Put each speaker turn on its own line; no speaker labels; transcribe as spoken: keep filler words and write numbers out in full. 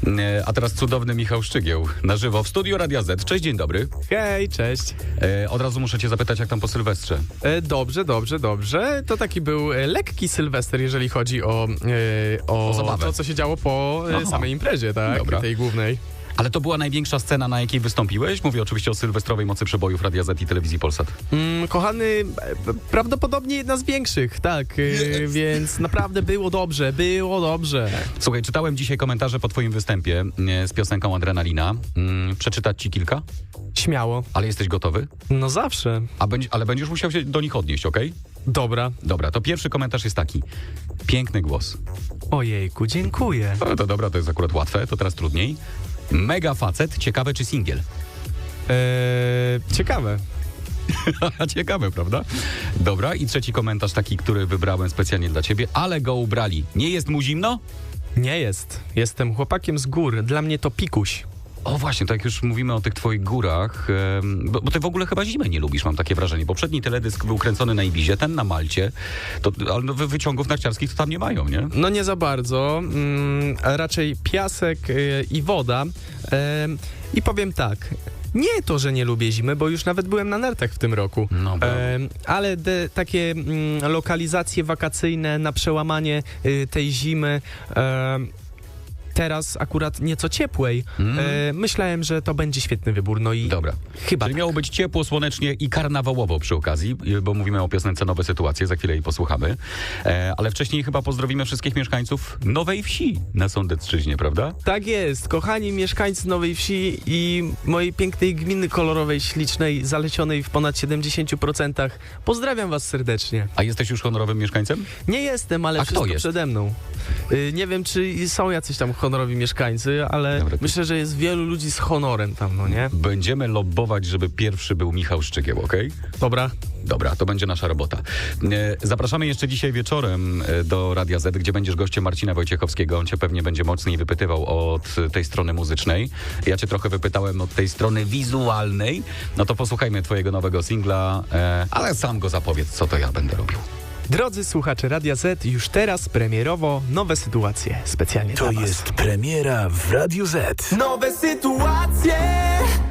E, A teraz cudowny Michał Szczygieł na żywo w studiu Radia Z. Cześć, dzień dobry.
Hej, cześć.
E, Od razu muszę cię zapytać, jak tam po Sylwestrze?
E, dobrze, dobrze, dobrze. To taki był e, lekki Sylwester, jeżeli chodzi o, e, o,
O zabawę.
to, co się działo po e,
Aha.
samej imprezie, tak?
Dobra.
Tej głównej.
Ale to była największa scena, na jakiej wystąpiłeś? Mówię oczywiście o sylwestrowej mocy przebojów Radia Z i Telewizji Polsat.
Mm, kochany, e, prawdopodobnie jedna z większych, tak. E, więc naprawdę było dobrze, było dobrze.
Słuchaj, czytałem dzisiaj komentarze po twoim występie e, z piosenką Adrenalina. Mm, Przeczytać ci kilka?
Śmiało.
Ale jesteś gotowy?
No zawsze.
A będź, ale będziesz musiał się do nich odnieść, okej?
Dobra.
Dobra, to pierwszy komentarz jest taki. Piękny głos.
Ojejku, dziękuję.
No to dobra, to jest akurat łatwe, to teraz trudniej. Mega facet, ciekawe czy singiel?
E, ciekawe.
Ciekawe, prawda? Dobra, i trzeci komentarz taki, który wybrałem specjalnie dla ciebie. Ale go ubrali. Nie jest mu zimno?
Nie jest. Jestem chłopakiem z gór. Dla mnie to pikuś.
O właśnie, tak jak już mówimy o tych twoich górach, em, bo, bo ty w ogóle chyba zimy nie lubisz, mam takie wrażenie. Poprzedni teledysk był kręcony na Ibizie, ten na Malcie, to, ale no, wy- wyciągów narciarskich to tam nie mają, nie?
No nie za bardzo, mm, a raczej piasek y, i woda. Em, I powiem tak, nie to, że nie lubię zimy, bo już nawet byłem na nartach w tym roku.
No, brawo.
Em, ale de, takie mm, lokalizacje wakacyjne na przełamanie y, tej zimy, em, teraz akurat nieco ciepłej,
Mm.
e, myślałem, że to będzie świetny wybór. No i
Dobra.
chyba
Czyli
tak.
miało być ciepło, słonecznie i karnawałowo przy okazji, bo mówimy o piosence Nowe Sytuacje, za chwilę jej posłuchamy. E, ale wcześniej chyba pozdrowimy wszystkich mieszkańców Nowej Wsi na Sądecczyźnie, prawda?
Tak jest, kochani mieszkańcy Nowej Wsi i mojej pięknej gminy kolorowej, ślicznej, zalecionej w ponad siedemdziesięciu procentach. Pozdrawiam was serdecznie.
A jesteś już honorowym mieszkańcem?
Nie jestem, ale
A kto
wszystko
jest?
przede mną. Y, nie wiem, czy są jacyś tam honorowi mieszkańcy, ale
Dobra, to-
myślę, że jest wielu ludzi z honorem tam, no nie?
Będziemy lobbować, żeby pierwszy był Michał Szczygieł, okej?
Dobra.
Dobra, to będzie nasza robota. E, Zapraszamy jeszcze dzisiaj wieczorem e, do Radia Z, gdzie będziesz gościem Marcina Wojciechowskiego. On cię pewnie będzie mocniej wypytywał od tej strony muzycznej. Ja cię trochę wypytałem od tej strony wizualnej. No to posłuchajmy twojego nowego singla, e, ale sam go zapowiedz, co to ja będę robił.
Drodzy słuchacze Radia Z, już teraz premierowo Nowe Sytuacje. Specjalnie
To
dla was.
jest premiera w Radiu Z.
Nowe Sytuacje!